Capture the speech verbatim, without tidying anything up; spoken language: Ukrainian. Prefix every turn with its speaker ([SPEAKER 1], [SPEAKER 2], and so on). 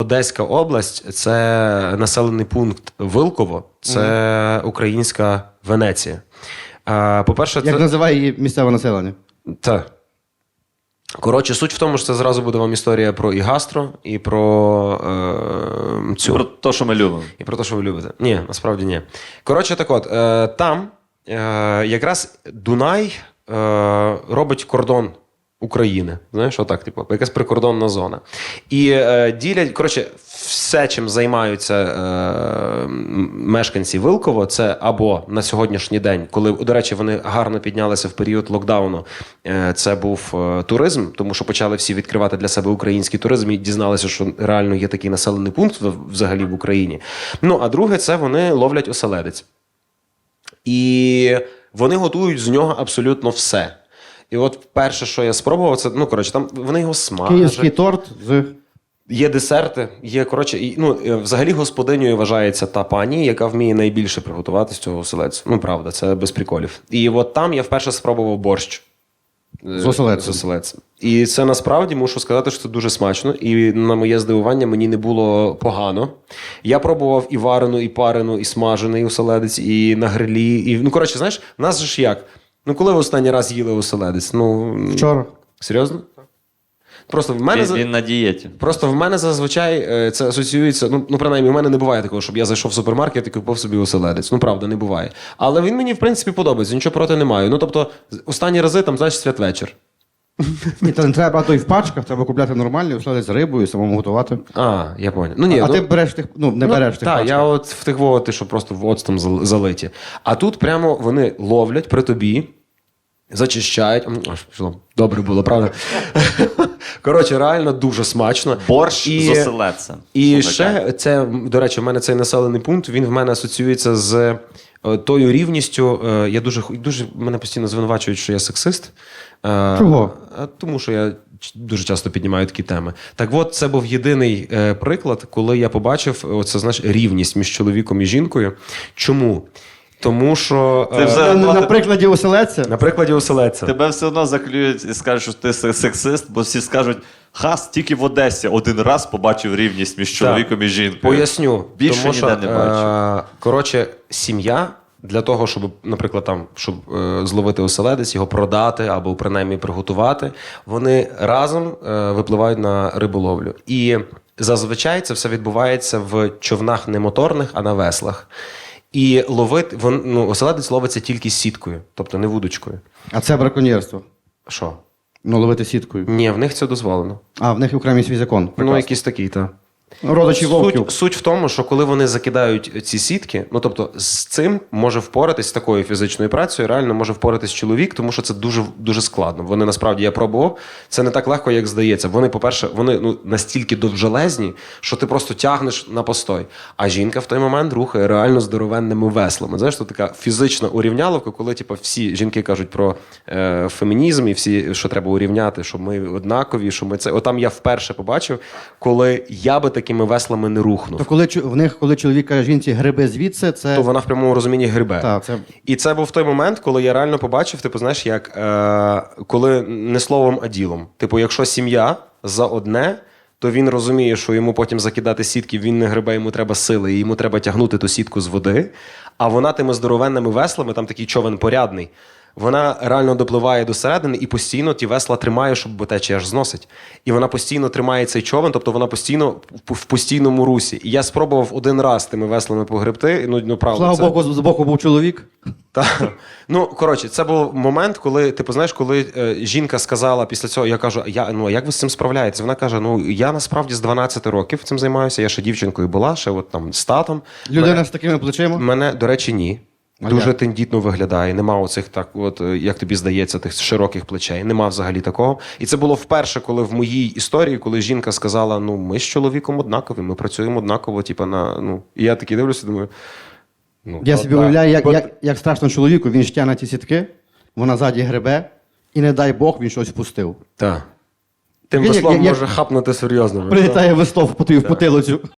[SPEAKER 1] Одеська область – це населений пункт Вилково, це mm. українська Венеція. А, по-перше,
[SPEAKER 2] Як
[SPEAKER 1] це...
[SPEAKER 2] називає її місцеве населення?
[SPEAKER 1] Так. Коротше, суть в тому, що це зразу буде вам історія про і гастро, і про е, цю...
[SPEAKER 3] І про те, що ми любимо.
[SPEAKER 1] І про те, що ви любите. Ні, насправді ні. Коротше, так от, е, там е, якраз Дунай е, робить кордон України. Знаєш, отак, типу, якась прикордонна зона. І е, ділять, коротше, все, чим займаються е, мешканці Вилково, це або на сьогоднішній день, коли, до речі, вони гарно піднялися в період локдауну, е, це був е, туризм, тому що почали всі відкривати для себе український туризм і дізналися, що реально є такий населений пункт взагалі в Україні. Ну, а друге, це вони ловлять оселедець. І вони готують з нього абсолютно все. І от перше, що я спробував, це, ну, коротше, там вони його смажать.
[SPEAKER 2] Київський торт з...
[SPEAKER 1] Є десерти, є, коротше, і, ну, взагалі господинею вважається та пані, яка вміє найбільше приготувати з цього оселедцю. Ну, правда, це без приколів. І от там я вперше спробував борщ.
[SPEAKER 2] З оселедцем.
[SPEAKER 1] З оселедцем. І це насправді, мушу сказати, що це дуже смачно. І на моє здивування мені не було погано. Я пробував і варену, і парену, і смажений оселедець, і на грилі. І, ну, коротше, знаєш, в нас же ж як? Ну, коли ви останній раз їли оселедець? Ну,
[SPEAKER 2] Вчора.
[SPEAKER 1] Серйозно? Просто в мене...
[SPEAKER 3] Він, він на дієті.
[SPEAKER 1] Просто в мене зазвичай це асоціюється, ну, ну, принаймні, в мене не буває такого, щоб я зайшов в супермаркет і купив собі оселедець. Ну, правда, не буває. Але він мені, в принципі, подобається, нічого проти не маю. Ну, тобто, останні рази, там, знаєш, святвечір.
[SPEAKER 2] Ні, то не треба брати і в пачках, треба купляти нормальні, оселедець з рибою, самому готувати.
[SPEAKER 1] А, я понял. Ну, ні,
[SPEAKER 2] а
[SPEAKER 1] ну,
[SPEAKER 2] ти береш тих, ну, не
[SPEAKER 1] ну,
[SPEAKER 2] береш тих
[SPEAKER 1] так,
[SPEAKER 2] пачках.
[SPEAKER 1] я от в тих вовати, що просто в оцтом зал- залиті. А тут прямо вони ловлять при тобі, зачищають. М, Аж пішло. Добре було, правда? Коротше, реально дуже смачно.
[SPEAKER 3] Борщ
[SPEAKER 1] І-
[SPEAKER 3] з оселедцем.
[SPEAKER 1] І
[SPEAKER 3] Слухай,
[SPEAKER 1] ще, це, до речі, в мене цей населений пункт, він в мене асоціюється з е, тою рівністю. е, Я дуже, дуже, мене постійно звинувачують, що я сексист. Е,
[SPEAKER 2] Чого?
[SPEAKER 1] а Тому що я ч- дуже часто піднімаю такі теми. Так от, це був єдиний е, приклад, коли я побачив оце, знаєш, рівність між чоловіком і жінкою. Чому? Тому що...
[SPEAKER 3] Ти
[SPEAKER 1] е,
[SPEAKER 3] вже-
[SPEAKER 2] На, на прикладі оселедця?
[SPEAKER 1] на прикладі оселедця.
[SPEAKER 3] Тебе все одно заклюють і скажуть, що ти сексист, бо всі скажуть, хас, тільки в Одесі один раз побачив рівність між чоловіком і жінкою.
[SPEAKER 1] Поясню.
[SPEAKER 3] Більше
[SPEAKER 1] тому,
[SPEAKER 3] ніде
[SPEAKER 1] що,
[SPEAKER 3] не бачу.
[SPEAKER 1] Е, коротше, сім'я для того, щоб, наприклад, там, щоб е, зловити оселедець, його продати або принаймні приготувати, вони разом е, випливають на риболовлю. І зазвичай це все відбувається в човнах не моторних, а на веслах. І ловити, вон, ну, оселедець ловиться тільки сіткою, тобто не вудочкою.
[SPEAKER 2] А це браконьєрство.
[SPEAKER 1] Що?
[SPEAKER 2] Ну, ловити сіткою.
[SPEAKER 1] Ні, в них це дозволено.
[SPEAKER 2] А, в них окремий свій закон.
[SPEAKER 1] Ну,
[SPEAKER 2] Прекрасно.
[SPEAKER 1] якийсь такий, так.
[SPEAKER 2] Родичі вовків.
[SPEAKER 1] Суть, суть в тому, що коли вони закидають ці сітки, ну тобто з цим може впоратись, з такою фізичною працею, реально може впоратись чоловік, тому що це дуже, дуже складно. Вони насправді, я пробував, це не так легко, як здається. Вони, по-перше, вони ну, настільки довжелезні, що ти просто тягнеш на постой. А жінка в той момент рухає реально здоровенними веслами. Знаєш, це така фізична урівняловка, коли типу, всі жінки кажуть про е, фемінізм і всі, що треба урівняти, що ми однакові, що ми це. Отам я вперше побачив, коли я би такими веслами не рухнув.
[SPEAKER 2] То коли чо- в них, коли чоловік каже жінці гриби звідси, це...
[SPEAKER 1] То вона в прямому розумінні грибе.
[SPEAKER 2] Так, це...
[SPEAKER 1] І це був той момент, коли я реально побачив, типу, знаєш, як е, коли не словом, а ділом. Типу, якщо сім'я за одне, то він розуміє, що йому потім закидати сітки, він не грибе, йому треба сили, і йому треба тягнути ту сітку з води. А вона тими здоровенними веслами, там такий човен порядний, вона реально допливає до середини і постійно ті весла тримає, щоб бо течія аж зносить. І вона постійно тримає цей човен, тобто вона постійно в постійному русі. І я спробував один раз тими веслами погребти. Ну, ну правда,
[SPEAKER 2] Слава
[SPEAKER 1] це...
[SPEAKER 2] Богу, з боку був чоловік.
[SPEAKER 1] Так. Ну, коротше, це був момент, коли, типу, знаєш, коли е, жінка сказала після цього, я кажу, я, ну, а як ви з цим справляєтесь? Вона каже, ну, я насправді з дванадцяти років цим займаюся, я ще дівчинкою була, ще от там з татом.
[SPEAKER 2] Людина
[SPEAKER 1] Мене,
[SPEAKER 2] з такими плечима.
[SPEAKER 1] мене, до речі, ні.
[SPEAKER 2] А
[SPEAKER 1] Дуже
[SPEAKER 2] як?
[SPEAKER 1] тендітно виглядає, нема оцих, так, от, е, як тобі здається, тих широких плечей, нема взагалі такого. І це було вперше, коли в моїй історії, коли жінка сказала, ну, ми з чоловіком однакові, ми працюємо однаково, типу, на, ну, і я такий дивлюся, думаю, ну,
[SPEAKER 2] Я
[SPEAKER 1] то
[SPEAKER 2] собі
[SPEAKER 1] так.
[SPEAKER 2] уявляю, як,
[SPEAKER 1] Бо-
[SPEAKER 2] як, як страшно чоловіку, він ж тягне ті сітки, вона ззаді гребе, і не дай Бог, він щось впустив.
[SPEAKER 1] Так. Тим
[SPEAKER 2] Він як-
[SPEAKER 1] веслом
[SPEAKER 2] як-
[SPEAKER 1] може хапнути серйозно.
[SPEAKER 2] Прилітає весло в потилицю.